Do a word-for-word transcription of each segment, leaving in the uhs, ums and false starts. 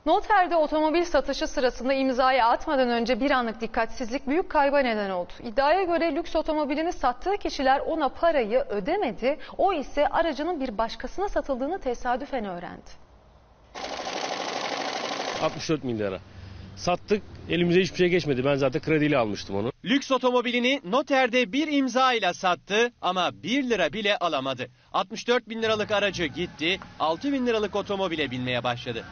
Noterde otomobil satışı sırasında imzayı atmadan önce bir anlık dikkatsizlik büyük kayba neden oldu. İddiaya göre lüks otomobilini sattığı kişiler ona parayı ödemedi. O ise aracının bir başkasına satıldığını tesadüfen öğrendi. altmış dört bin lira. Sattık, elimize hiçbir şey geçmedi. Ben zaten krediyle almıştım onu. Lüks otomobilini noterde bir imza ile sattı ama bir lira bile alamadı. altmış dört bin liralık aracı gitti, altı bin liralık otomobile binmeye başladı.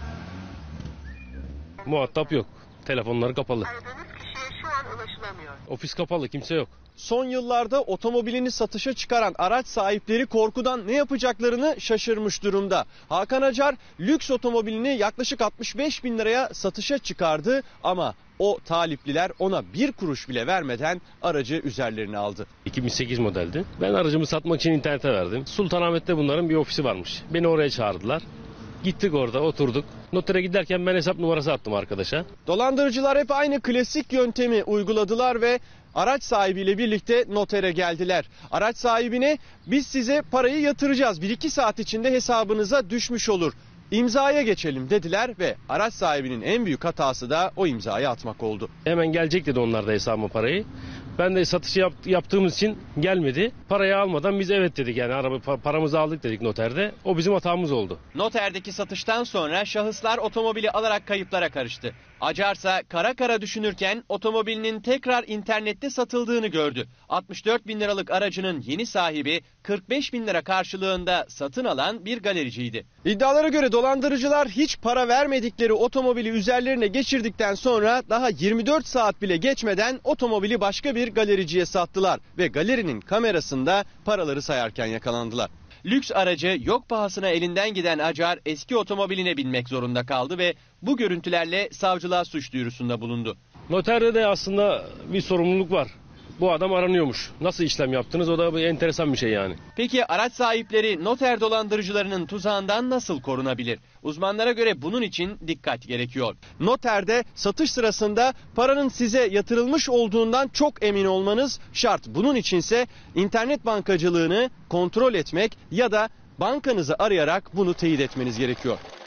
Muhatap yok. Telefonları kapalı. Aradığınız kişiye şu an ulaşılamıyor. Ofis kapalı, kimse yok. Son yıllarda otomobilini satışa çıkaran araç sahipleri korkudan ne yapacaklarını şaşırmış durumda. Hakan Acar lüks otomobilini yaklaşık altmış beş bin liraya satışa çıkardı ama o talipliler ona bir kuruş bile vermeden aracı üzerlerine aldı. iki bin sekiz modeldi. Ben aracımı satmak için internete verdim. Sultanahmet'te bunların bir ofisi varmış. Beni oraya çağırdılar. Gittik, orada oturduk. Notere giderken ben hesap numarası attım arkadaşa. Dolandırıcılar hep aynı klasik yöntemi uyguladılar ve araç sahibiyle birlikte notere geldiler. Araç sahibine biz size parayı yatıracağız, bir iki saat içinde hesabınıza düşmüş olur, İmzaya geçelim dediler ve araç sahibinin en büyük hatası da o imzayı atmak oldu. Hemen gelecek dedi onlar da hesabıma parayı. Ben de satışı yap, yaptığımız için gelmedi. Parayı almadan biz evet dedik, yani araba paramızı aldık dedik noterde. O bizim hatamız oldu. Noterdeki satıştan sonra şahıslar otomobili alarak kayıplara karıştı. Acarsa kara kara düşünürken otomobilinin tekrar internette satıldığını gördü. altmış dört bin liralık aracının yeni sahibi kırk beş bin lira karşılığında satın alan bir galericiydi. İddialara göre dolandırıcılar hiç para vermedikleri otomobili üzerlerine geçirdikten sonra daha yirmi dört saat bile geçmeden otomobili başka bir galericiye sattılar ve galerinin kamerasında paraları sayarken yakalandılar. Lüks aracı yok pahasına elinden giden Acar eski otomobiline binmek zorunda kaldı ve bu görüntülerle savcılığa suç duyurusunda bulundu. Noterde de aslında bir sorumluluk var. Bu adam aranıyormuş. Nasıl işlem yaptınız? O da bir enteresan bir şey yani. Peki araç sahipleri noter dolandırıcılarının tuzağından nasıl korunabilir? Uzmanlara göre bunun için dikkat gerekiyor. Noterde satış sırasında paranın size yatırılmış olduğundan çok emin olmanız şart. Bunun içinse internet bankacılığını kontrol etmek ya da bankanızı arayarak bunu teyit etmeniz gerekiyor.